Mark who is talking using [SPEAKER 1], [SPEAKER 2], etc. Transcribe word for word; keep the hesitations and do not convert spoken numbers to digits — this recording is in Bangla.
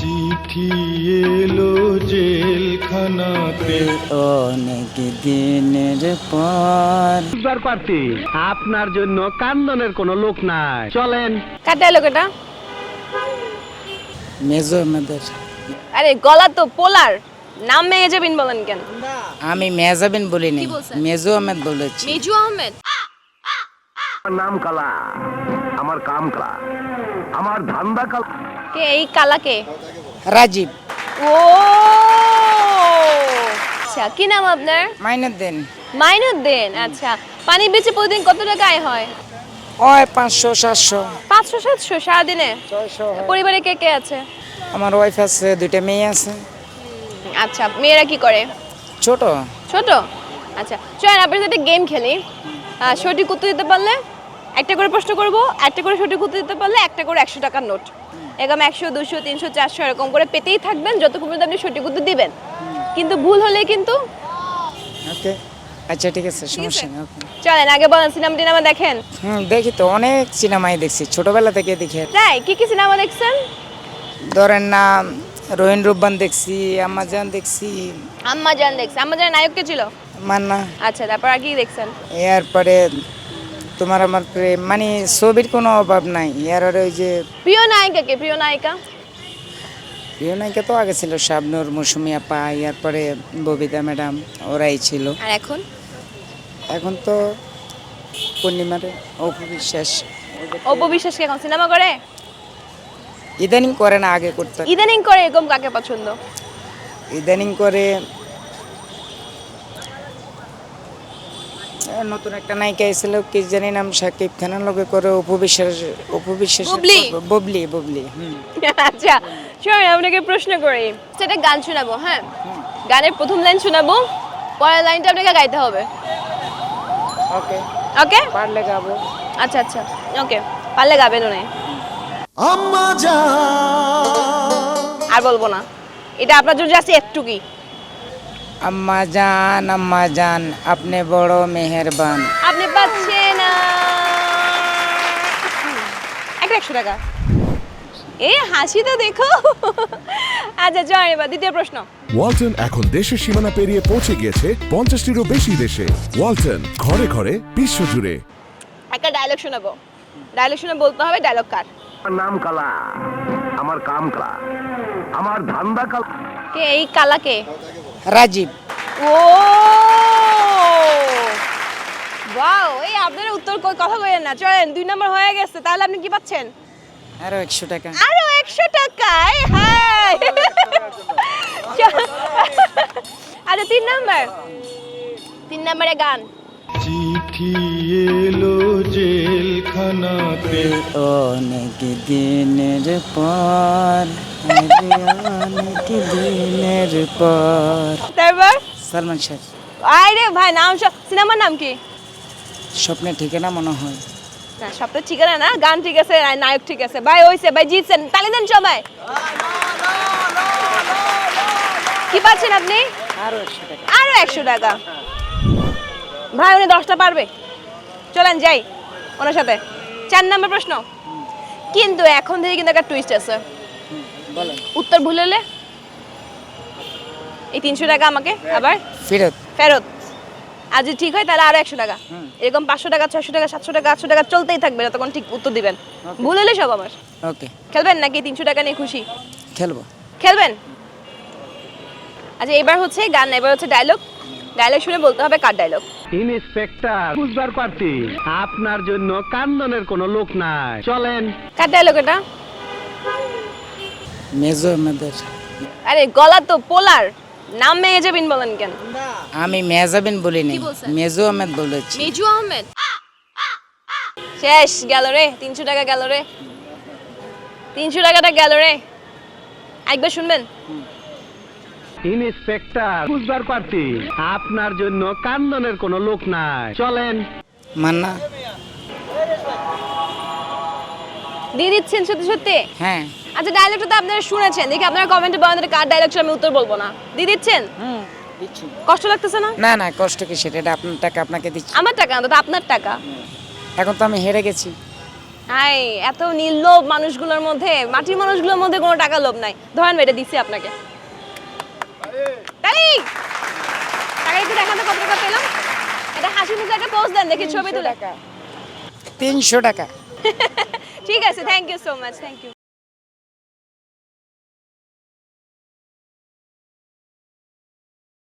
[SPEAKER 1] চিঠি এলো জেলখানাতে
[SPEAKER 2] অনেক দিনের পর।
[SPEAKER 3] বুঝবার পারছি আপনার জন্য কান্দনের কোনো লোক নাই, চলেন।
[SPEAKER 4] কার ডায়লগ এটা?
[SPEAKER 2] মেজো আহমেদের।
[SPEAKER 4] আরে গলা তো পোলার, নাম মেয়ে যাবেন বলেন কেন?
[SPEAKER 2] আমি মেজাবিন বলিনি,
[SPEAKER 4] কি বলছেন?
[SPEAKER 2] মেজো আহমেদ বলেছি।
[SPEAKER 4] মিজু আহমেদ।
[SPEAKER 5] আমার নাম কালা, আমার কাম কালা, আমার ধান্দা কালা।
[SPEAKER 4] কে এই কালা কে?
[SPEAKER 2] রাজীব।
[SPEAKER 4] ও আচ্ছা, কি নাম আপনার?
[SPEAKER 2] মাইনুদ্দিন।
[SPEAKER 4] মাইনুদ্দিন। আচ্ছা, পানি বেচে প্রতিদিন কত টাকা আয় হয়?
[SPEAKER 2] ওই পাঁচশো সাতশো।
[SPEAKER 4] পাঁচশো সাতশো সারাদিনে?
[SPEAKER 2] ছয়শো।
[SPEAKER 4] পরিবারে কে কে আছে?
[SPEAKER 2] আমার ওয়াইফ আছে, দুইটা মেয়ে আছে।
[SPEAKER 4] আচ্ছা, মেয়েরা কি করে?
[SPEAKER 2] ছোট।
[SPEAKER 4] ছোট। আচ্ছা, চলেন আপনার সাথে গেম খেলি। আহ, সঠিক উত্তর দিতে পারলে একটা করে প্রশ্ন করব, একটা করে সঠিক উত্তর দিতে পারলে একটা করে একশো টাকার নোট। এরকম একশো দুশো তিনশো চারশো এরকম করে পেতেই থাকবেন যতক্ষণ পর্যন্ত আপনি সঠিক উত্তর দিবেন। কিন্তু ভুল হলে কিন্তু।
[SPEAKER 2] ওকে, আচ্ছা ঠিক আছে, সমস্যা নেই। ওকে।
[SPEAKER 4] চলেন আগে বলেন, সিনেমা টিনেমা দেখেন?
[SPEAKER 2] হুম, দেখি তো, অনেক সিনেমাই দেখছি ছোটবেলা থেকে দেখি।
[SPEAKER 4] তাই কি কি সিনেমা দেখছেন?
[SPEAKER 2] ধরেন না, রোহিন রুব্বান দেখছি, আম্মাজান দেখছি।
[SPEAKER 4] আম্মা জান দেখছেন? আম্মা জান নায়ক কে ছিল?
[SPEAKER 2] মান্না।
[SPEAKER 4] আচ্ছা, তারপর আর কি দেখছেন?
[SPEAKER 2] এরপরে তোমার আমার প্রেম, মানে ছবির কোনো অভাব নাই। এর ওই যে
[SPEAKER 4] প্রিয় নায়িকা কে? প্রিয় নায়িকা?
[SPEAKER 2] প্রিয় নায়িকা তো আগে ছিল শাবনূর, মৌসুমী আপা, এরপরে ববিতা ম্যাডাম, ওরাই ছিল।
[SPEAKER 4] আর এখন?
[SPEAKER 2] এখন তো পূর্ণিমারে অপু বিশ্বাস।
[SPEAKER 4] অপু বিশ্বাস কি এখন সিনেমা করে?
[SPEAKER 2] ইদানিং করে না, আগে করতে।
[SPEAKER 4] ইদানিং করে এরকম কাকে পছন্দ?
[SPEAKER 2] ইদানিং করে এ, নতুন একটা নায়িকা এসেছিল, কি জানি নাম, শাকিব খানের লগে করে অপু বিশ্বাস। অপু বিশ্বাস।
[SPEAKER 4] বুবলি?
[SPEAKER 2] ববলি ববলি হুম।
[SPEAKER 4] আচ্ছা, শোনেন আপনাকে প্রশ্ন করি। সেটা গান শোনাবো, হ্যাঁ? গানের প্রথম লাইন শোনাবো, পরের লাইনটা আপনাকে গাইতে হবে।
[SPEAKER 2] ওকে,
[SPEAKER 4] ওকে?
[SPEAKER 2] পারলে গাবো।
[SPEAKER 4] আচ্ছা আচ্ছা, ওকে, পারলে গাবেন উনি।
[SPEAKER 1] আম্মা জান
[SPEAKER 4] আর বলবো না, এটা আপনার জন্য জাস্ট একটুকুই।
[SPEAKER 2] আম্মা জান, আম্মা জান, আপনি বড় মেহেরবান।
[SPEAKER 4] আপনি পাচ্ছেন একটা একশো টাকা। এই হাসি তো দেখো। আচ্ছা, চলেন এবার দ্বিতীয় প্রশ্ন।
[SPEAKER 6] ওয়ালটন এখন দেশের সীমানা পেরিয়ে পৌঁছে গিয়েছে পঞ্চাশটিরও বেশি দেশে। ওয়ালটন, ঘরে ঘরে বিশ্বজুড়ে।
[SPEAKER 4] একটা ডায়লগ শোনাবো, ডায়লগ শুনে বলতে হবে ডায়লগ কার।
[SPEAKER 5] আমার নাম কালা, আমার কাম কালা, আমার ধান্দা কালা।
[SPEAKER 4] কে এই কালা কে?
[SPEAKER 2] রাজীব।
[SPEAKER 4] ও ওয়াও, এই আপনারা উত্তর কই কথা কইেন না। চলেন, দুই নম্বর হয়ে গেছে। তাহলে আপনি কি পাচ্ছেন?
[SPEAKER 2] আরো একশো টাকা।
[SPEAKER 4] আরো একশো টাকায়। হাই, আচ্ছা, তিন নম্বর, তিন নম্বরে গান।
[SPEAKER 1] চিঠি এলো জেলখানাতে
[SPEAKER 2] অনেক দিনের পর, অনেক দিনের পর।
[SPEAKER 4] তারপর
[SPEAKER 2] সালমান শাহ।
[SPEAKER 4] আরে ভাই, নাম সিনেমার নাম কি?
[SPEAKER 2] স্বপ্নের ঠিকানা মনে হয়।
[SPEAKER 4] না, সবটা ঠিকানা না, গান ঠিক আছে, আর নায়ক ঠিক আছে। ভাই হইছে, ভাই জিতছেন, তালি দেন সবাই। কি পাচ্ছেন আপনি?
[SPEAKER 2] আরো একশো টাকা।
[SPEAKER 4] আরো একশো টাকা। ভাই উনি দশটা পারবে। চলেন যাই ওনার সাথে। চার নম্বর প্রশ্ন, কিন্তু এখন থেকে কিন্তু একটা টুইস্ট আছে।
[SPEAKER 2] বলেন।
[SPEAKER 4] উত্তর ভুল হলে এই তিনশো টাকা আমাকে আবার
[SPEAKER 2] ফেরত।
[SPEAKER 4] ফেরত। আর যদি ঠিক হয় তাহলে আরো একশো টাকা। এরকম পাঁচশো টাকা, ছয়শো টাকা, সাতশো টাকা, আটশো টাকা চলতেই থাকবে যতক্ষণ ঠিক উত্তর দিবেন। ভুল হলে সব আমার।
[SPEAKER 2] ওকে,
[SPEAKER 4] খেলবেন নাকি তিনশো টাকা নিয়ে খুশি?
[SPEAKER 2] খেলবো।
[SPEAKER 4] খেলবেন? আচ্ছা, এবার হচ্ছে গান, এবার হচ্ছে ডায়লগ। ডায়লগ শুনে বলতে হবে কার ডায়লগ।
[SPEAKER 3] ইন্সপেক্টর, বুঝবার পারছি আপনার জন্য কান্দনের কোনো লোক নাই, চলেন।
[SPEAKER 4] কার ডায়লগ এটা?
[SPEAKER 2] মেজো আহমেদের।
[SPEAKER 4] আরে গলা তো পোলার, নাম মেয়ে যাবেন বলেন কেন?
[SPEAKER 2] আমি মেজাবিন বলিনি,
[SPEAKER 4] কি বলছেন?
[SPEAKER 2] মেজো আহমেদ বলেছি।
[SPEAKER 4] মিজু আহমেদ। শেষ গেল রে, তিনশো টাকা গেল রে, তিনশো টাকাটা গেল রে। একবার শুনবেন?
[SPEAKER 3] ইন্সপেক্টর, বুঝবার পারছি আপনার জন্য কান্দনের কোনো লোক নাই, চলেন।
[SPEAKER 2] মান্না।
[SPEAKER 4] দিয়ে দিচ্ছেন সত্যি সত্যি?
[SPEAKER 2] হ্যাঁ।
[SPEAKER 4] আচ্ছা, ডায়লগটা তো আপনারা শুনেছেন, দেখি আপনারা কমেন্টে বলেন তো কার ডায়লগ ছিল, আমি উত্তর বলবো না। দিয়ে দিচ্ছেন?
[SPEAKER 2] হুম, দিচ্ছি।
[SPEAKER 4] কষ্ট লাগতেছে না?
[SPEAKER 2] না না, কষ্ট কি, সেটা এটা আপনার টাকা, আপনাকে দিচ্ছি।
[SPEAKER 4] আমার টাকা না তো, আপনার টাকা।
[SPEAKER 2] এখন তো আমি হেরে গেছি।
[SPEAKER 4] হাই এত নির্লোভ মানুষগুলোর মধ্যে, মাটির মানুষগুলোর মধ্যে কোনো টাকা লোভ নাই। ধরেন এটা দিচ্ছি আপনাকে। তাই টাকা একটু দেখাতে কত টাকা পেলাম। এটা হাসি মুখে একটা পোজ দেন দেখি ছবি তুলে।
[SPEAKER 2] তিনশো টাকা।
[SPEAKER 4] ঠিক আছে, thank you so much, thank you.